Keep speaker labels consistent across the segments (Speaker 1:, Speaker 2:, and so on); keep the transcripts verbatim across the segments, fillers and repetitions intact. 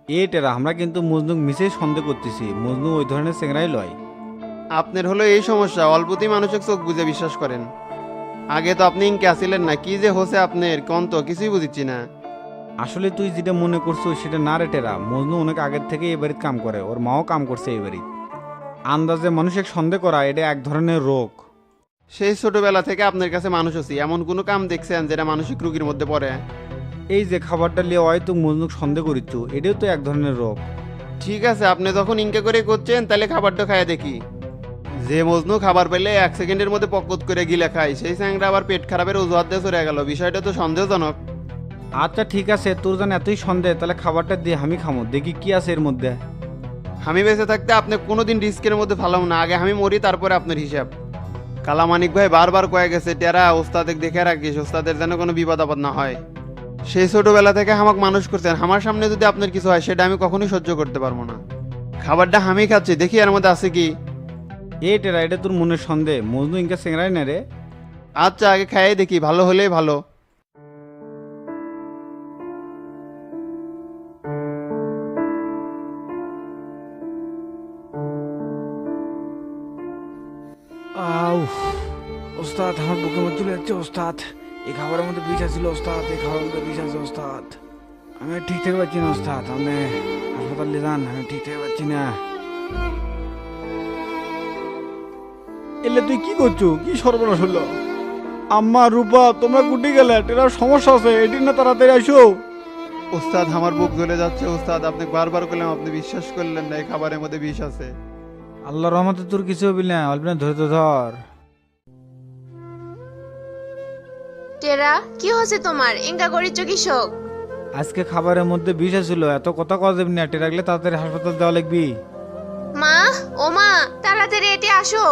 Speaker 1: এটেরা আমরা কিন্তু মজনুক মিসেই সন্দেহ করতেছি, মজনু ওই ধরনের চেংরাই লয়।
Speaker 2: আপনার হলো এই সমস্যা, অল্পতেই মানুষের চোখ বুঝে বিশ্বাস করেন। আগে তো আপনি ইনকে আসিলেন না, কি যে হোসে আপনার কোন তো কিছুই বুঝিচ্ছি না।
Speaker 1: আসলে তুই যেটা মনে করছো সেটা না রে টেরা, মজনু অনেক আগের থেকে এই বাড়িতে কাম করে, ওর মাও কাম করছে এই বাড়িতে। আন্দাজে মানুষের সন্দেহ করা এটা এক ধরনের রোগ।
Speaker 2: সেই ছোটবেলা থেকে আপনার কাছে মানুষ আছি, এমন কোনো কাম দেখছেন যেটা মানসিক রোগীর মধ্যে পড়ে?
Speaker 1: এই যে খাবারটা লিয়ে হয়তো মজনুক সন্দেহ করিচ্ছ, এটাও তো এক ধরনের রোগ।
Speaker 2: ঠিক আছে, আপনি যখন ইনকে করে করছেন তাহলে খাবারটা খাইয়ে দেখি। যে মজনু খাবার পেলে এক সেকেন্ডের মধ্যে পকত করে গিলে খায়, সেই স্যাংরা আবার পেট খারাপের অজুহাত দিয়ে চলে গেল, বিষয়টা তো সন্দেহজনক।
Speaker 1: আচ্ছা ঠিক আছে, তোর যেন এতই সন্দেহ, তাহলে খাবারটা দিয়ে আমি খামো, দেখি কি আছে এর মধ্যে।
Speaker 2: আমি বেঁচে থাকতে আপনি কোনোদিন রিস্কের মধ্যে ফালাম না, আগে আমি মরি তারপরে আপনার হিসাব। কালামানিক ভাই বারবার কয়ে গেছে টেরা ওস্তাদের দেখে রাখিস, ওস্তাদের যেন কোনো বিপদ আপদ না হয়। সেই ছোটবেলা থেকে আমাকে মানুষ করছেন, আমার সামনে যদি আপনার কিছু হয় সেটা আমি কখনোই সহ্য করতে পারবো না। খাবারটা আমি খাচ্ছি, দেখি এর মধ্যে আছে কি।
Speaker 1: এ টেরা, এটা তোর মনের সন্দেহ, মজনু ইনকা চেংরাই না রে।
Speaker 2: আচ্ছা আগে খাইয়ে দেখি, ভালো হলেই ভালো।
Speaker 3: আউ ওস্তাদ, আমার বুকের মধ্যে চলে যাচ্ছে ওস্তাদ। এই খাবারের মধ্যে বিষ আছিল ওস্তাদ, এই খাবারের মধ্যে বিষ আছে ওস্তাদ। আমি আর ঠিক থেকে পাচ্ছি না ওস্তাদ, আপনি হাসপাতাল নিয়ে যান, আমি ঠিক থেকে পাচ্ছি না।
Speaker 1: এলে তুই কি করছো, কি সর্বনাশ হলো? আম্মা রূপা তোমরা কুটি গেলে, টেরার সমস্যা আছে, এটি না তাড়াতাড়ি আসো।
Speaker 2: ওস্তাদ আমার বুক জ্বলে যাচ্ছে ওস্তাদ, আপনি বারবার করলাম আপনি বিশ্বাস করলেন না, এই খাবারের মধ্যে বিষ আছে।
Speaker 1: আল্লাহ রহমতে তোর কিছু হবি না, অল্প না ধরে তো ধর।
Speaker 4: টেরা, কি হচ্ছে তোমার? ইঙ্গা করিচ্ছ কৃষক?
Speaker 1: আজকে খাবারের মধ্যে বিষ ছিল, এত কথা কওয়া যাবি না, টেরাগলে তাড়াতাড়ি হাসপাতাল দেওয়া লাগবি।
Speaker 4: মা, ও মা, তাড়াতাড়ি এটি আসো।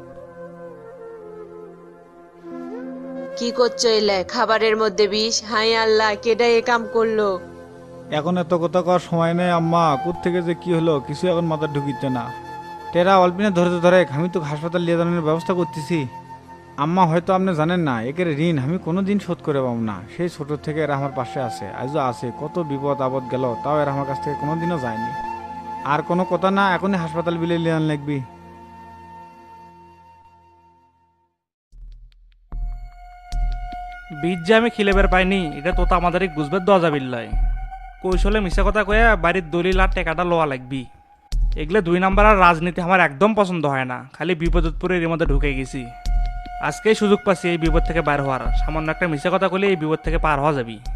Speaker 4: কি করছো এলে? খাবারের মধ্যে বিষ? হাই আল্লাহ, কেডা এ কাম করলো?
Speaker 1: এখন এত কথা কওয়ার সময় নেই আম্মা, কোথ থেকে যে কি হলো কিছু এখন মাথা ঢুকিচ্ছে না। টেরা অল্পিনে ধরে তো ধরে, আমি তো হাসপাতাল নিয়ে যাওয়ার ব্যবস্থা করতেছি। আম্মা হয়তো আপনি জানেন না, একের ঋণ আমি কোনো দিন শোধ করে পাবো না। সেই ছোট থেকে এরা আমার পাশে আছে, আজও আছে, কত বিপদ আপদ গেল তাও এরা আমার কাছ থেকে কোনোদিনও যায়নি। আর কোনো কথা না, এখনই হাসপাতাল বিলে নিয়ে আন লাগবি।
Speaker 5: বীজ যে আমি খিলে বের পাইনি, এটা তো আমাদের গুজবের দেওয়া যাবিল্লাই। কৌশলে মিশা কথা কয়ে বাড়ির দলিল আর টেকাটা লোয়া লাগবি। এগুলো দুই নাম্বার আর রাজনীতি আমার একদম পছন্দ হয় না, খালি বিপদপুরে এর মধ্যে ঢুকে গেছি। আজকেই সুযোগ পাচ্ছি এই বিপদ থেকে বার হওয়ার, সামান্য একটা মিশা কথা কইলে এই বিপদ থেকে পার হওয়া যাবি।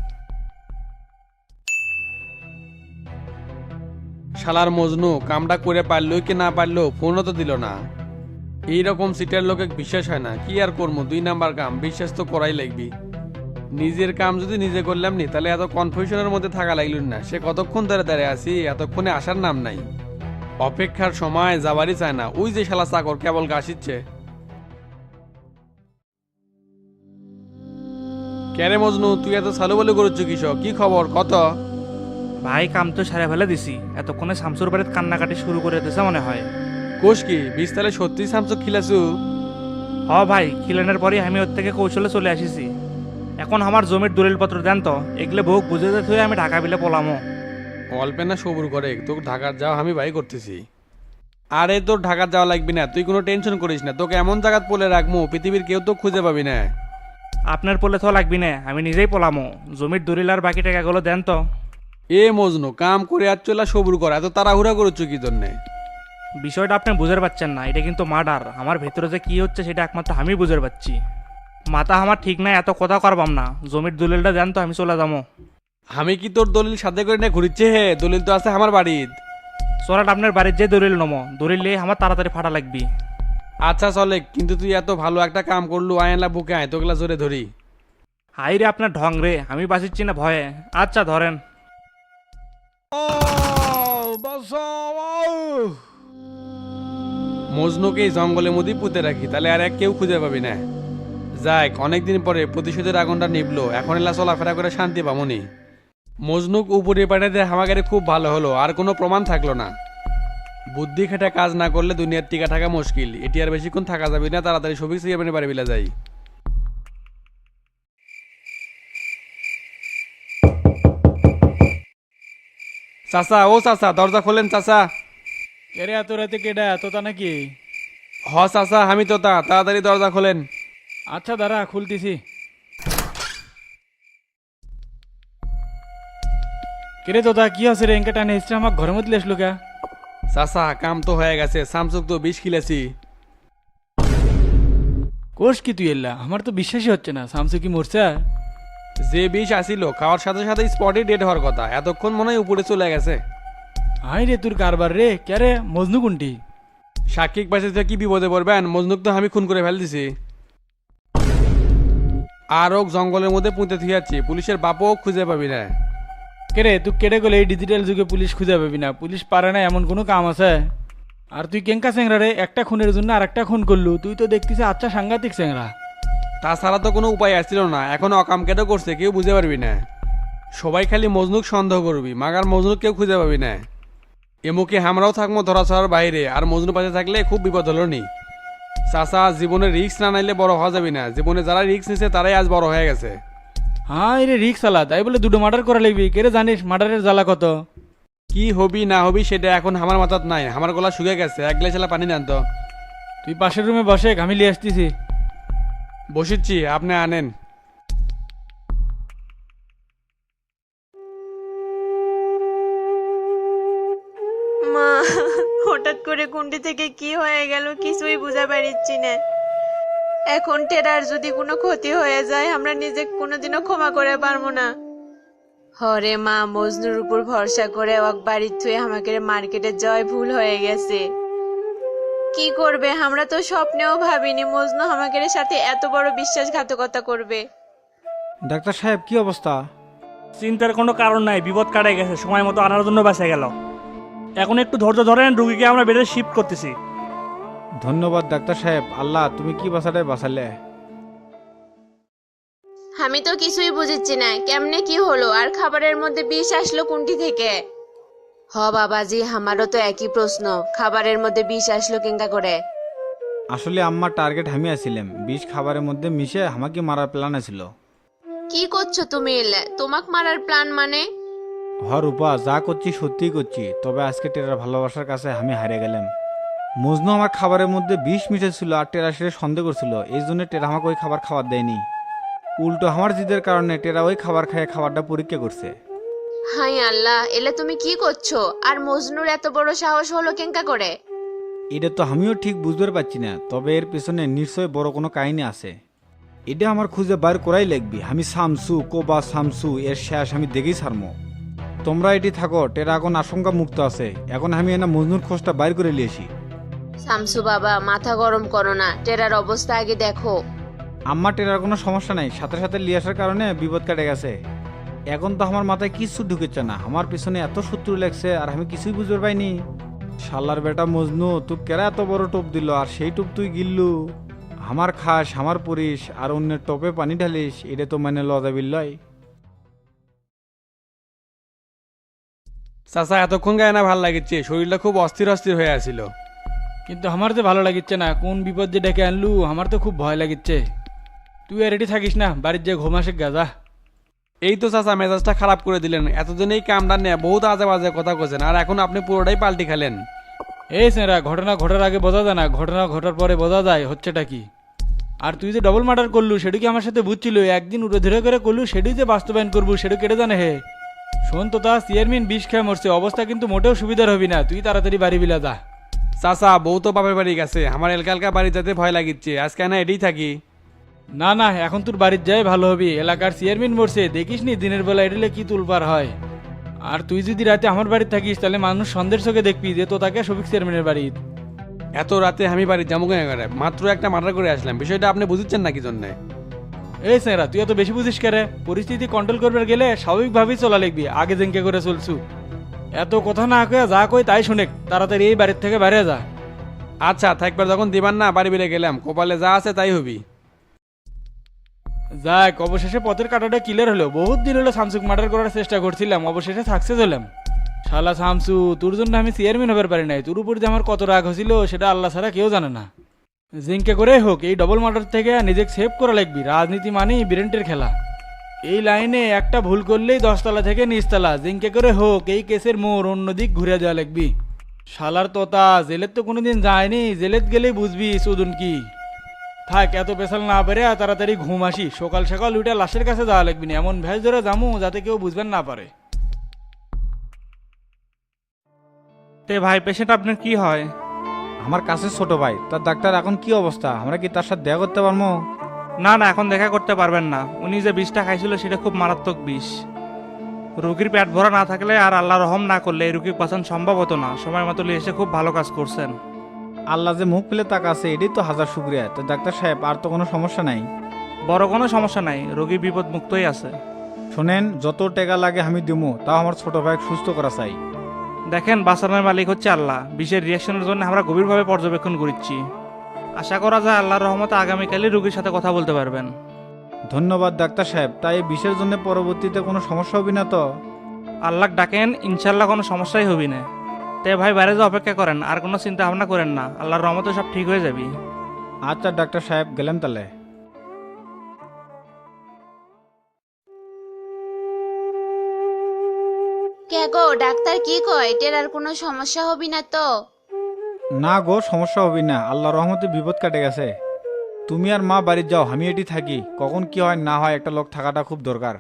Speaker 6: শালার মজনু কামটা করে পারলো কি না পারলো ফোনও তো দিল না। এইরকম সিটের লোকে বিশ্বাস হয় না, কি আর করবো, দুই নাম্বার কাম, বিশ্বাস তো করাই লাগবি। নিজের কাম যদি নিজে করলাম নি তাহলে এত কনফিউশনের মধ্যে থাকা লাগল না। সে কতক্ষণ ধরে দাঁড়িয়ে আছি, এতক্ষণে আসার নাম নাই। অপেক্ষার সময় যাবারই চায় না, ওই যে শালা চাকর কেবল গাছিচ্ছে। কেরে মজনু, তুই এত সালু বলে করছ কিসব, কি খবর কত?
Speaker 5: ভাই কাম তো সারে ফেলে দিছি, এতক্ষণে শামসুর বাড়িতে কান্নাকাটি শুরু করে দিয়েছে মনে হয়।
Speaker 6: কোষ কি বিশ তালে সত্যি সামসুক খিলাছু?
Speaker 5: হ ভাই, খিলানোর পরই আমি ওর থেকে কৌশলে চলে আসিছি। এখন আমার জমির দলিলপত্র দেন তো, এগুলো বহু বুঝে যেতে হয়ে আমি ঢাকা বিলে পলামো।
Speaker 6: অল্পে না সবুর করে, তোকে ঢাকার যাওয়া আমি ভাই করতেছি। আরে তোর ঢাকার যাওয়া লাগবি না, তুই কোনো টেনশন করিস না, তোকে এমন জায়গাত পলে রাখবো পৃথিবীর কেউ তো খুঁজে পাবি না।
Speaker 5: আপনার পোলে তো লাগবি না, আমি নিজেই পলামো। জমির দলিল আর বাকি টাকাগুলো দেন তো।
Speaker 6: এ মজনু, কাম করে আর চলা সবুর কর, এত তাড়াহুড়া করছ কি জন্যে?
Speaker 5: বিষয়টা আপনি বুঝতে পারছেন না, এটা কিন্তু মার্ডার। আমার ভেতরে যে কি হচ্ছে সেটা একমাত্র আমি বুঝতে পারছি। মাথা আমার ঠিক নাই, এত কথা করবাম না। জমির দলিলটা দেন তো, আমি চলে যাবো।
Speaker 6: আমি কি তোর দলিল সাথে করে না ঘুরিচ্ছে? হে, দলিল তো আছে আমার বাড়ির।
Speaker 5: চলাট আপনার বাড়ির যে দলিল নমো, দলিল নিয়ে আমার তাড়াতাড়ি ফাটা লাগবি।
Speaker 6: আচ্ছা চলে, কিন্তু তুই এত ভালো একটা কাম করলু, আয়না বুকে আয়, তোগুলা জোরে ধরি।
Speaker 5: হাই রে আপনার ঢং রে, আমি বাঁচিচ্ছি না ভয়ে। আচ্ছা ধরেন।
Speaker 6: মজনুকে এই জঙ্গলের মধ্যেই পুঁতে রাখি, তাহলে আর এক কেউ খুঁজে পাবি না। যাক, অনেকদিন পরে প্রতিশোধের আগুনটা নিবলো, এখন এলা চলাফেরা করে শান্তি পামনি। মজনুক উপরে পাঠাতে হামাগারে খুব ভালো হলো, আর কোনো প্রমাণ থাকলো না। বুদ্ধি খেটে কাজ না করলে দুনিয়ার টিকা থাকা মুশকিল, এটি আর বেশিক্ষণ থাকা যাবে না, তাড়াতাড়ি সবিক সিয়াবেনে বাড়ি বিলা যাই। চাচা ও চাচা দরজা খোলেন চাচা।
Speaker 3: এরে এত রাতে কেডা তোতা নাকি?
Speaker 6: হ চাচা আমি তো তা, তাড়াতাড়ি দরজা খোলেন।
Speaker 3: আচ্ছা দাঁড়া খুলতেছি। কেরে তোতা কি আছে রে? এঙ্কে টানে হিস্ট্রি আমার ঘরের মধ্যে লেসলো কে?
Speaker 6: চাচা কাম তো হয়ে গেছে, স্যামসুং তো বিষ খিলেছি।
Speaker 3: কোষ কি তুই এল্লা? আমার তো বিশ্বাসই হচ্ছে না। শামসু কি মরছে?
Speaker 6: যে বিষ আসিল খাওয়ার সাথে সাথে স্পটে ডেড হওয়ার কথা, এতক্ষণ মনে হয় উপরে চলে গেছে।
Speaker 3: হাই রে তোর কারবার রে। কে রে মজনু কোনটি?
Speaker 6: সাক্ষিক পাশে কি বিপদে পড়বেন, মজনুক তো আমি খুন করে ফেল দিছি। আর ওক জঙ্গলের মধ্যে পুঁতে থিয়াচ্ছি, পুলিশের বাপও খুঁজে পাবি না।
Speaker 3: কে রে তুই কেটে গেলে এই ডিজিটাল যুগে পুলিশ খুঁজে পাবি না? পুলিশ পারে না এমন কোনো কাম আছে? আর তুই কেঙ্কা চেংরা রে? একটা খুনের জন্য আর একটা খুন করলু। তুই তো দেখতেছিস আচ্ছা সাংঘাতিক চেংরা।
Speaker 6: তাছাড়া তো কোনো উপায় আসছিল না, এখন অকাম কেটে করছে কেউ বুঝে পারবি না। সবাই খালি মজনুক সন্দেহ করবি, মাগার মজনুক কেউ খুঁজে পাবি না। এমুকে আমরাও থাকবো ধরাছড়ার বাইরে, আর মজনু পাশে থাকলে খুব বিপদ হলো নি। চাচা জীবনে রিক্স না নাইলে বড় হওয়া যাবি না, জীবনে যারা রিক্স নিছে তারাই আজ বড় হয়ে গেছে।
Speaker 3: হ্যাঁ রে রিক্স আলা, তাই বলে দুটো মার্ডার করা লাগবি? কে রে জানিস মার্ডারের জ্বালা কত?
Speaker 6: কি হবি না হবি সেটা এখন আমার মাথাত নাই, আমার গলা শুকে গেছে। এক গ্লাস পানি নেন তো।
Speaker 3: তুই পাশের রুমে বসে, আমি লিয়ে আসতেছি।
Speaker 6: বসিচ্ছি, আপনি আনেন।
Speaker 4: মা, হঠাৎ করে কুন্ডি থেকে কি হয়ে গেল কিছুই বুঝা পারিচ্ছি না। এখন টেরার যদি কোনো ক্ষতি হয়ে যায় আমরা নিজে কোনোদিনও ক্ষমা করে পারবো না। হরে মা, মজনুর উপর ভরসা করে এক বাড়ির থুয়ে আমাকে মার্কেটে জয় ভুল হয়ে গেছে। কি করবে, আমরা তো স্বপ্নেও ভাবিনি মজনু আমাকে সাথে এত বড় বিশ্বাসঘাতকতা করবে।
Speaker 1: ডাক্তার সাহেব কি অবস্থা?
Speaker 5: চিন্তার কোনো কারণ নাই, বিপদ কাটে গেছে, সময় মতো আনার জন্য বাঁচা গেল। এখন একটু ধৈর্য ধরেন, রুগীকে আমরা বেডে শিফট করতেছি।
Speaker 1: ধন্যবাদ ডাক্তার সাহেব, আল্লাহ তুমি কি বাঁচালে বাঁচালে।
Speaker 4: আমি তো কিছুই বুঝিচ্ছি না কেমনে কি হলো, আর খাবারের মধ্যে বিষ আসলো কোনটি থেকে? হ বাবাজি, আমারও তো একই প্রশ্ন, খাবারের মধ্যে বিষ আসলো কেঙ্কা করে?
Speaker 1: আসলে আম্মার টার্গেট আমি আছিলাম, বিষ খাবারের মধ্যে মিশে আমাকে মারার প্ল্যান ছিল।
Speaker 4: কি করছো তুমি? এলে তোমাক মারার প্ল্যান মানে?
Speaker 1: হ রূপা, যা করছি সত্যিই করছি, তবে আজকে টেরার ভালোবাসার কাছে আমি হারিয়ে গেলাম। মজনু আমার খাবারের মধ্যে বিষ মিশেছিল আর টেরা সেটা সন্দেহ করছিল, এই জন্য টেরা আমাকে ওই খাবার খাবার দেয়নি। উল্টো আমার জিদের কারণে টেরা ওই খাবার খেয়ে খাবারটা পরীক্ষা করছে।
Speaker 4: হাই আল্লাহ, এলে তুমি কি করছো? আর মজনুর এত বড় সাহস হলো কেঙ্কা করে?
Speaker 1: এটা তো আমিও ঠিক বুঝতে পারছি না, তবে এর পেছনে নিশ্চয়ই বড় কোনো কাহিনী আছে। এটা আমার খুঁজে বার করাই লাগবে। আমি শামসু কোবা শামসু এর শেষ আমি দেখেই ছাড়মো। তোমরা এটি থাকো, টেরা এখন আশঙ্কা মুক্ত আছে। এখন আমি এনা মজনুর খোঁজটা বাইর করে নিয়েছি।
Speaker 4: শামসু বাবা, মাথা গরম করো না, টেরার অবস্থা আগে দেখো।
Speaker 1: আম্মা টেরার কোনো সমস্যা নাই, সাথে সাথে লিয়ে আসার কারণে বিপদ কাটে গেছে। এখন তো আমার মাথায় কিছু ঢুকেছে না, আমার পিছনে এত শত্রু লাগছে আর আমি কিছুই বুঝতে পাইনি। শালার বেটা মজনু, তুই কেরা এত বড় টোপ দিল আর সেই টোপ তুই গিললু। আমার খাস, আমার পরিস আর অন্যের টোপে পানি ঢালিস, এটা তো মানে লজাবিল্লয়।
Speaker 6: চাচা এতক্ষণ গায়ে না ভাল লাগিচ্ছে, শরীরটা খুব অস্থির অস্থির হয়ে আছিল।
Speaker 3: কিন্তু আমার তো ভালো লাগিচ্ছে না, কোন বিপদ যে ডেকে আনলু, আমার তো খুব ভয় লাগিচ্ছে। তুই আর রেডি থাকিস না, বাড়ির যে ঘুমাসে গাজা।
Speaker 6: এই তো চাচা মেজাজটা খারাপ করে দিলেন, এতদিন এই কামটা নিয়ে বহুত আজে বাজে কথা কছেন, আর এখন আপনি পুরোটাই পাল্টি খেলেন।
Speaker 3: এই সেরা, ঘটনা ঘটার আগে বোঝা যায় না, ঘটনা ঘটার পরে বোঝা যায় হচ্ছেটা কি। আর তুই যে ডবল মার্ডার করলু সেটা কি আমার সাথে বুঝছিল? একদিন উড়ে ধরে করে করলু, সেটাই যে বাস্তবায়ন করবো সেটা কেটে জানে হে। শোন তো, তা চেয়ারম্যান বিষ খেয়ে মরছে, অবস্থা কিন্তু মোটেও সুবিধার হবি না। তুই তাড়াতাড়ি বাড়ি বিলা যা।
Speaker 6: চাচা বউ তো বাপের বাড়ি গেছে, আমার এলকালকা বাড়ি যেতে ভয় লাগিচ্ছে, আজকে না এটাই থাকি।
Speaker 3: না না, এখন তোর বাড়ির যাই ভালো হবি, এলাকার চেয়ারম্যান মরছে, দেখিস নি দিনের বেলা এডিলে কি তুলপার হয়। আর তুই যদি রাতে আমার বাড়িতে থাকিস তাহলে মানুষ সন্দেহের চোখে দেখবি যে তো তাকে সবিক চেয়ারম্যানের বাড়ি।
Speaker 6: এত রাতে আমি বাড়ি যাবো কেন করে? মাত্র একটা মার্ডার করে আসলাম, বিষয়টা আপনি বুঝছেন না কি জন্যে?
Speaker 3: এই স্যারা, তুই এত বেশি বুঝিস কেরে? পরিস্থিতি কন্ট্রোল করবার গেলে স্বাভাবিকভাবেই চলা লিখবি, আগে জেঙ্কে করে চলছু। এত কথা না কয়ে যা কই তাই শুনে তাড়াতাড়ি এই বাড়ির থেকে বাইরে যা।
Speaker 6: আচ্ছা থাকবার যখন দিবান না, বাড়ি বেড়ে গেলাম, কপালে যা আছে তাই হবি।
Speaker 3: যাক, অবশেষে পথের কাটাটা ক্লিয়ার হলো। বহুত দিন হলো শামসুক মার্ডার করার চেষ্টা করছিলাম, অবশেষে সাকসেস হলাম। শালা শামসু, তোর জন্য আমি চেয়ারম্যান হবার পারি নাই। তোর উপর যে আমার কত রাগ হয়েছিল সেটা আল্লাহ ছাড়া কেউ জানে না। জিঙ্কে করে হোক এই ডবল মার্ডার থেকে নিজেকে সেভ করা লাগবি। রাজনীতি মানেই বিরেন্টের খেলা। এই লাইনে একটা ভুল করলেই দশতলা থেকে নিচতলা জিঙ্কে করে হোক এই কেসের মোড় অন্যদিক ঘুরে যাওয়া লাগবি। শালার তোতা জেলের তো কোনোদিন যায়নি, জেলেত গেলেই বুঝবি সুদুন কি। থাক এত পেশাল না পেরে আর তাড়াতাড়ি ঘুম আসি, সকাল সকাল উঠে লাশের কাছে যাওয়া লাগবি না, এমন ভেজ ধরে যামু যাতে কেউ বুঝবেন না পারে।
Speaker 5: তে ভাই পেশেন্ট আপনার কি হয়?
Speaker 1: আমার কাছে ছোট ভাই, তার ডাক্তার এখন কি অবস্থা, আমরা কি তার সাথে দেখা করতে পারবো?
Speaker 5: না না, এখন দেখা করতে পারবেন না। উনি যে বিষটা খাইছিল সেটা খুব মারাত্মক বিষ। রোগীর পেট ভরা না থাকলে আর আল্লাহ রহম না করলে এই রোগী বাঁচানো সম্ভব হতো না। সময় মতো নিয়ে এসে খুব ভালো কাজ করছেন।
Speaker 1: আল্লাহ যে মুখ পেলে তাকাছে এটাই তো হাজার শুক্রিয়া। তো ডাক্তার সাহেব আর তো কোনো সমস্যা নাই?
Speaker 5: বড় কোনো সমস্যা নাই, রোগী বিপদ মুক্তই আছে।
Speaker 1: শোনেন, যত টাকা লাগে আমি দিমু, তাও আমার ছোট ভাই সুস্থ করা চাই।
Speaker 5: দেখেন বাঁচানোর মালিক হচ্ছে আল্লাহ। বিষের রিয়াকশনের জন্য আমরা গভীরভাবে পর্যবেক্ষণ করছি। আশা করা যায় আল্লাহর রহমতে আগামীকালই রোগীর সাথে কথা বলতে পারবেন।
Speaker 1: ধন্যবাদ ডাক্তার সাহেব। তাই এই বিষের জন্য পরবর্তীতে কোনো সমস্যা হবে না তো?
Speaker 5: আল্লাহ ডাকেন, ইনশাল্লাহ কোনো সমস্যাই হবি না। তে ভাই বাইরে যে অপেক্ষা করেন, আর কোনো চিন্তা ভাবনা করেন না, আল্লাহর রহমতে সব ঠিক হয়ে যাবি।
Speaker 1: আচ্ছা ডাক্তার সাহেব, গেলাম তাহলে।
Speaker 4: কে গো ডাক্তার কি কয়, টেরার কোনো সমস্যা হবি না তো?
Speaker 1: না গো, সমস্যা হবে না, আল্লাহ রহমতে বিপদ কাটে গেছে। তুমি আর মা বাড়ি যাও, আমি এটি থাকি। কখন কি হয় না হয় একটা লোক থাকাটা খুব দরকার।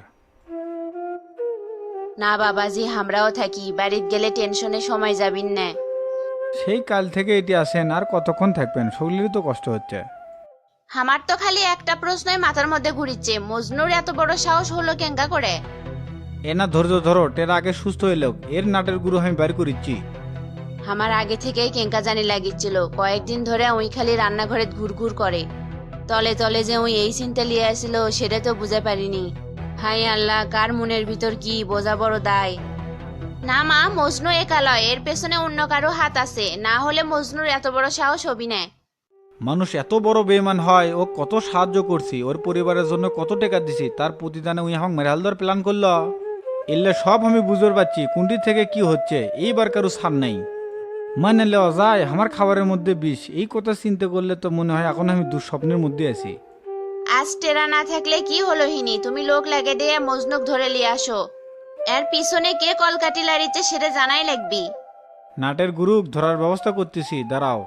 Speaker 4: না বাবাজি, আমরাও থাকি, বাড়িতে গেলে টেনশনে সময় যাবিন না।
Speaker 1: সেই কাল থেকে এটি আসেন, আর কতক্ষণ থাকবেন? শরীরেরই তো কষ্ট হচ্ছে।
Speaker 4: আমার তো খালি একটা প্রশ্নই মাথার মধ্যে ঘুরিচ্ছে, মজনুর এত বড় সাহস হলো কেঙ্গা করে?
Speaker 1: এ না ধৈর্য ধরো, টেরা আগে সুস্থ হইল, এর নাটের গুরু আমি বাইর করিচ্ছি।
Speaker 4: আমার আগে থেকেই কেঙ্কা জানি লাগিচ্ছিল, কয়েকদিন ধরে ওই খালি রান্নাঘরে ঘুরঘুর করে। তলে তলে যে ওই এই চিন্তা লিয়ে আসছিল সেটা তো বুঝে পারিনি। হাই আল্লাহ, কার মনের ভিতর কি বোঝা বড় দায়। না মা, মজনু একা লয়, এর পেছনে অন্য কারো হাত আছে, না হলে মজনুর এত বড় সাহস হবি না।
Speaker 1: মানুষ এত বড় বেঈমান হয়? ও কত সাহায্য করছি, ওর পরিবারের জন্য কত টাকা দিছি, তার প্রতিদানে উই আমাকে মেরাল দেওয়ার প্ল্যান করলো। এলে সব আমি বুঝতে পারছি কোনটি থেকে কি হচ্ছে, এইবার কারো ছাড় নেই। মানে লেওয়া যায় আমার খাবারের মধ্যে বিষ, এই কথা চিন্তা করলে তো মনে হয় এখন আমি দুঃস্বপ্নের মধ্যে আছি।
Speaker 4: আজ টেরা না থাকলে কি হলো হিনি, তুমি লোক লাগে দিয়ে মজনুক ধরে লিয়ে আসো। এর পিছনে কে কলকাটি লাড়িচ্ছে সেটা জানাই লাগবি।
Speaker 1: নাটের গুরু ধরার ব্যবস্থা করতেছি, দাঁড়াও।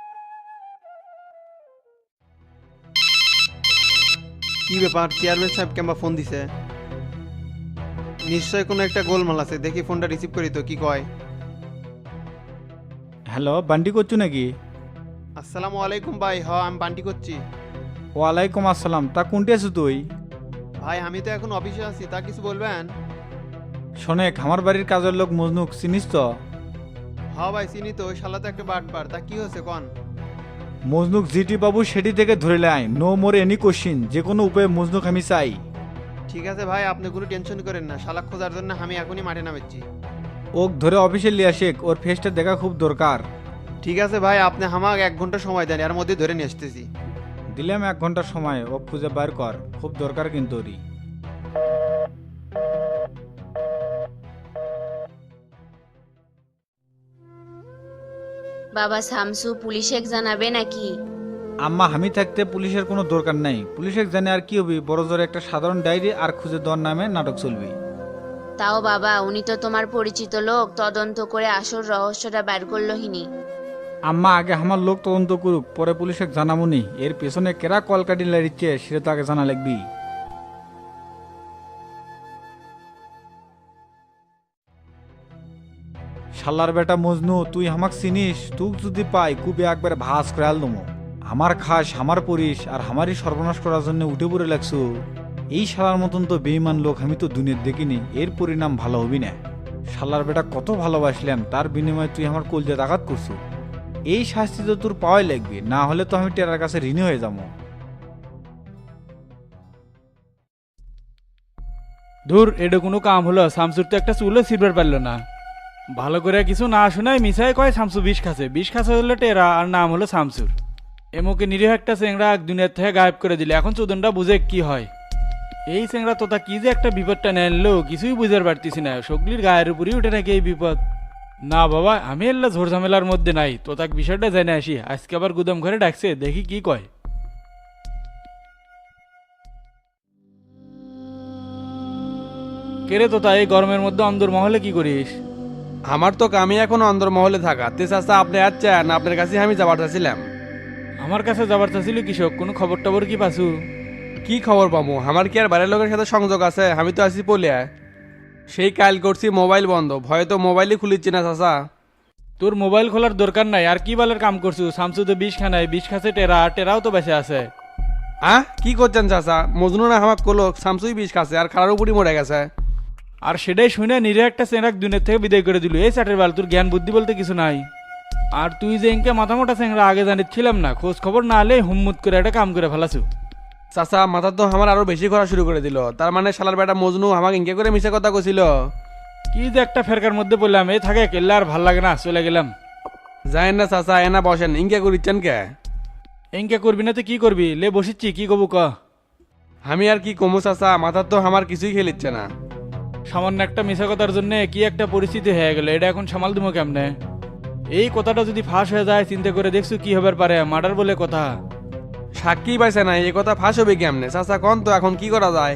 Speaker 2: কি ব্যাপার, চেয়ারম্যান সাহেব কেমবা ফোন দিছে? নিশ্চয় কোনো একটা গোলমাল আছে, দেখি ফোনটা রিসিভ করি তো কি কয়।
Speaker 1: হ্যালো, বান্টি করছো নাকি?
Speaker 2: আসসালামু আলাইকুম ভাই। হ, আমি বান্টি করছি।
Speaker 1: ওয়ালাইকুম আসসালাম। তা কোনটি আছো তুই?
Speaker 2: ভাই আমি তো এখন অফিসে আছি, তা কিছু বলবেন?
Speaker 1: শোনেক, আমার বাড়ির কাজের লোক মজনুক চিনিস তো?
Speaker 2: হ ভাই চিনি তো, ওই শালা তো একটা বাটপার। তা কি হয়েছে কন?
Speaker 1: মজনুক জিটি বাবু সেটি থেকে ধরে লাই, নো মোর এনি কোশ্চিন, যে কোনো উপায়ে মজনুক আমি চাই।
Speaker 2: ঠিক আছে ভাই, আপনি কোনো টেনশন করেন না, শালা খোঁজার জন্য আমি এখনই মাঠে নামেছি।
Speaker 1: ওক ধরে অফিসে লিয়ে আসে, ওর ফেসটা দেখা খুব দরকার।
Speaker 2: ঠিক আছে ভাই, আপনি আমাকে এক ঘন্টা সময় দেন, এর মধ্যে ধরে নিয়ে আসতেছি।
Speaker 1: দিলাম এক ঘন্টার সময়, ও খুঁজে বার কর, খুব দরকার কিন্তু ওরই।
Speaker 4: বাবা শামসু পুলিশে জানাবে নাকি?
Speaker 1: আম্মা আমি থাকতে পুলিশের কোনো দরকার নাই, পুলিশের জানে আর কি হবি, বড় জোরে একটা সাধারণ ডায়েরি আর খুঁজে দেওয়ার নামে নাটক চলবি।
Speaker 4: তাও বাবা, উনি তো তোমার পরিচিত লোক, তদন্ত করে আসল রহস্যটা বের করলো হিনি।
Speaker 1: আম্মা আগে আমার লোক তদন্ত করুক, পরে পুলিশে জানামুনি। এর পেছনে কেরা কলকাটি লাড়িচ্ছে সেটা তো আগে জানা লাগবি। শালার বেটা মজনু, তুই আমাক চিনিস? তুই যদি পাই কুবে একবার ভাস করে আলদমো। আমার খাস, আমার পরিস, আর আমারই সর্বনাশ করার জন্য উঠে পড়ে লাগছু। এই শালার মতন তো বেঈমান লোক আমি তো দুনিয়ার দেখিনি, এর পরিণাম ভালো হবি না। শালার বেটা কত ভালোবাসলাম, তার বিনিময়ে তুই আমার কলজাত আঘাত করছু। এই শাস্তি তো তোর পাওয়াই লাগবে, না হলে তো আমি টেরার কাছে ঋণী হয়ে যাবো।
Speaker 3: ধুর, এটা কোনো কাম হলো? শামসুর তো একটা চুলও ছিড়বার পারলো না। ভালো করে কিছু না শোনায় মিশাই কয় শামসু বিষ খাচ্ছে, বিষ খাচ্ছে হলো টেরা, আর নাম হলো শামসুর। এমকে নিরীহ একটা চেংড়া দুনিয়ার থেকে গায়েব করে দিলে, এখন চোদনটা বুঝে কি হয়। এই চেংড়া তোতা কি যে একটা বিপদটা নেনলো কিছুই বুঝতে পারতেছি না, সগলির গায়ের উপরই উঠে নাকি এই বিপদ। না বাবা, আমি এল্লা ঝোর ঝামেলার মধ্যে নাই, তোতাক বিষয়টা জেনে আসি। আজকে আবার গুদাম ঘরে ডাকছে, দেখি কি কয়। কেরে তোতা এই গরমের মধ্যে অন্দর মহলে কি করিস?
Speaker 6: আমার তো কামই এখন অন্দরমহলে থাকা, তে চাচা আপনি আসছেন, আপনার কাছে আমি যাবার চাচ্ছিলাম।
Speaker 3: আমার কাছে যাবার চাচ্ছিল কৃষক, কোনো খবর টবর কি পাসু?
Speaker 6: কি খবর পাবো, আমার কি আর বাইরের লোকের সাথে সংযোগ আছে? আমি তো আছি পলিয়া। সেই কাল করছি মোবাইল বন্ধ, ভয়ে তো মোবাইলই খুলিচ্ছি না চাচা।
Speaker 3: তোর মোবাইল খোলার দরকার নাই, আর কি বালের কাম করছু? শামসু তো বিষ খানায়, বিষ খাচ্ছে টেরা, টেরাও তো বেঁচে আছে।
Speaker 6: আহ কি করছেন চাচা? মজনু না হামাক কলো শামসুই বিষ খাচ্ছে আর খারার উপরই মরে গেছে।
Speaker 3: আর সেটাই শুনে নিরে একটা চেংরাক দুনিয়ার থেকে বিদায় করে দিল। এই চাটের বাল, তোর জ্ঞান বুদ্ধি বলতে কিছু নাই। আর তুই যে ইনকে মাথা মোটা চেংরা আগে জানিচ্ছিলাম না, খোঁজ খবর না হলে হুম্মুত করে একটা কাম করে ফেলাছু।
Speaker 6: চাচা মাথা তো আমার আরো বেশি করা শুরু করে দিল। তার মানে শালার বেটা মজনু আমাকে ইনকে করে মিশে কথা কছিল।
Speaker 3: কি যে একটা ফেরকার মধ্যে বললাম, এই থাকে কেল্লা আর ভাল লাগে না, চলে গেলাম।
Speaker 6: যাই না চাচা, এনা বসেন, ইনকে করিচ্ছেন কে?
Speaker 3: ইনকে করবি না তো কি করবি? লে বসিচ্ছি, কি কবু ক।
Speaker 6: আমি আর কি কমু চাচা, মাথার তো আমার কিছুই খেলিচ্ছে না।
Speaker 3: সামান্য একটা মিশা কথার জন্য কি একটা পরিস্থিতি হয়ে গেল, এটা এখন সামাল দিব কেমনে? এই কথাটা যদি ফাঁস হয়ে যায়, চিন্তা করে দেখছু কি হবার পারে? মার্ডার বলে কথা।
Speaker 6: সাক্ষী পাইছে না, এই কথা ফাঁস হবে কেমনে? চাচা কন তো এখন কি করা যায়?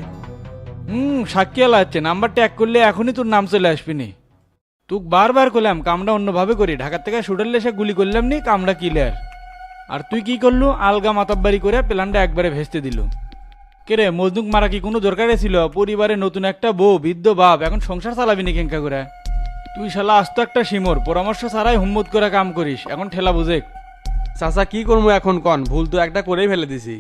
Speaker 3: হুম, সাক্ষী এলা হচ্ছে, নাম্বার ট্যাগ করলে এখনই তোর নাম চলে আসবিনি। তুক বারবার করলাম কামটা অন্যভাবে করি, ঢাকার থেকে শুটারলে সে গুলি করলাম নি, কামটা ক্লিয়ার। আর তুই কি করলু? আলগা মাতাব্বারি করে প্ল্যানটা একবারে ভেস্তে দিল। কেরে মজনুক মারা কি কোনো দরকারে ছিল? পরিবারে নতুন একটা বউ, বৃদ্ধ বাপ, এখন সংসার চালাবি নি কেঙ্কা করে? তুই শালা আস্ত একটা সিমর, পরামর্শ ছাড়াই হুম্মত করে কাম করিস, এখন ঠেলা বুঝে।
Speaker 6: চাচা কি করবো এখন কন? ভুল তো একটা করেই ফেলে দিছি।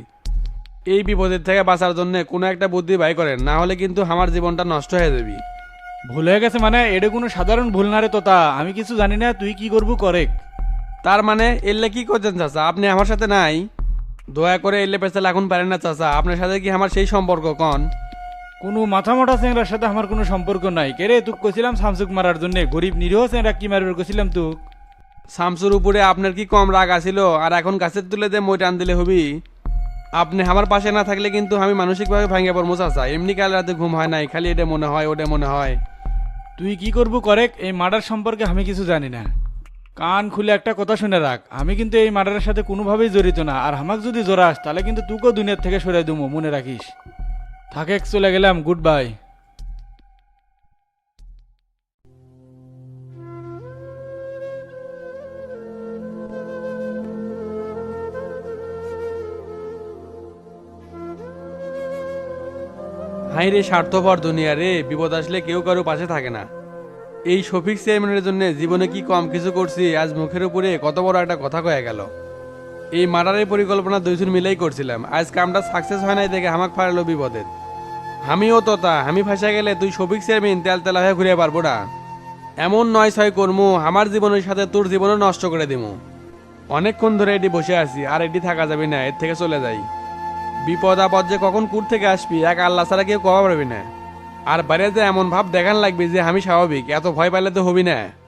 Speaker 6: এই বিপদের থেকে বাঁচার জন্য কোনো একটা বুদ্ধি বাই করেন, না হলে কিন্তু আমার জীবনটা নষ্ট হয়ে যাবি।
Speaker 3: ভুল হয়ে গেছে মানে? এটা কোনো সাধারণ ভুল না রে তোতা, আমি কিছু জানি না, তুই কি করবো করেক।
Speaker 6: তার মানে এলে কি করছেন চাচা? আপনি আমার সাথে নাই? দয়া করে এলে পেছাল এখন পারেন না চাচা, আপনার সাথে কি আমার সেই সম্পর্ক কন?
Speaker 3: কোনো মাথা মোটা চেংরার সাথে আমার কোনো সম্পর্ক নাই। কেরে তুক কছিলাম শামসুক মারার জন্য, গরিব নিরীহ চেংরা কি মারবে কছিলাম তুক?
Speaker 6: শামসুর উপরে আপনার কি কম রাগ আছিল? আর এখন গাছের তুলে দিয়ে মই টান দিলে হবি? আপনি আমার পাশে না থাকলে কিন্তু আমি মানসিকভাবে ভাঙে পড়বো চাচা। এমনি কাল রাতে ঘুম হয় নাই, খালি এটা মনে হয় ওটা মনে হয়।
Speaker 3: তুই কি করবো করেক, এই মার্ডার সম্পর্কে আমি কিছু জানি না। কান খুলে একটা কথা শুনে রাখ, আমি কিন্তু এই মার্ডারের সাথে কোনোভাবেই জড়িত না। আর আমাকে যদি জোরাস তাহলে কিন্তু তুকেও দুনিয়ার থেকে সরাই দেবো, মনে রাখিস। থাকে, চলে গেলাম, গুড বাই।
Speaker 6: হাই রে স্বার্থপর দুনিয়া রে, বিপদ আসলে কেউ কারো পাশে থাকে না। এই শফিক চেয়ারম্যানের জন্য জীবনে কি কম কিছু করছি, আজ মুখের উপরে কত বড় একটা কথা কয়ে গেল। এই মার্ডারের পরিকল্পনা দুইজন মিলেই করছিলাম, আজ কামটা সাকসেস হয় নাই দেখে আমাকে ফারালো বিপদের। আমিও তো তা, আমি ফাঁসা গেলে তুই শফিক চেয়ারম্যান তেল তেলা হয়ে ঘুরে পারবো না। এমন নয় ছয় কর্মু, আমার জীবনের সাথে তোর জীবনও নষ্ট করে দিমু। অনেকক্ষণ ধরে এটি বসে আছি, আর এটি থাকা যাবে না, এর থেকে চলে যাই। বিপদ আপদ যে কখন কুট থেকে আসবি এক আল্লাহ ছাড়া কেউ কবা পারবি না। আর বাইরে যে এমন ভাব দেখান লাগবে যে আমি স্বাভাবিক, এত ভয় পাইলে তো হবি না।